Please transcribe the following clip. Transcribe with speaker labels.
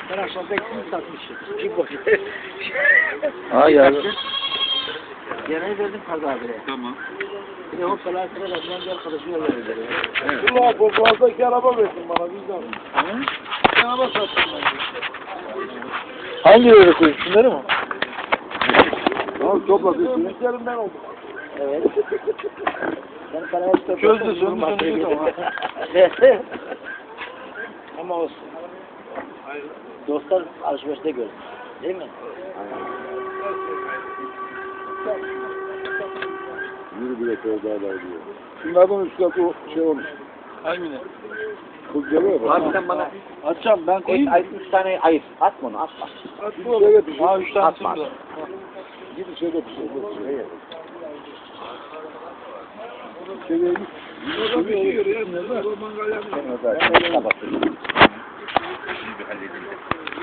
Speaker 1: Ben akşam bekledim satmışım. Bir boş.
Speaker 2: Ha ya.
Speaker 1: Yemeği verdim Kadı abiye.
Speaker 2: Tamam.
Speaker 1: Bir de o falan sıra da bir arkadaşına verdi.
Speaker 2: Evet.
Speaker 3: Ulan bu fazla araba versin bana bizden. Araba sattım ben.
Speaker 2: Hangi yere koyayım? Şunları mı?
Speaker 3: Tamam topladın. Üstlerinden oldu.
Speaker 1: Evet. Ben sana hep topladım.
Speaker 3: Çözdü, söndü tamam.
Speaker 1: Ama olsun. Dostlar alışverişte gördüm. Değil mi?
Speaker 3: Yürü bile köyde diyor. Şunlardan üst katı o şey olmuş.
Speaker 2: Hangine?
Speaker 3: Kız geliyor bak.
Speaker 1: Abi sen bana
Speaker 2: Açacağım ben koyayım.
Speaker 1: üç tane ayır. Atma onu atma.
Speaker 3: Bir şeyde bir şey.
Speaker 2: Ha 3 tane
Speaker 1: Atma.
Speaker 2: sürüyor.
Speaker 3: Bir şeyde bir şey. Şeyde git. Bir şey görüyor. Mangal yapıyor.
Speaker 1: Ben öyle kapatayım.
Speaker 2: İyi bir halledildi.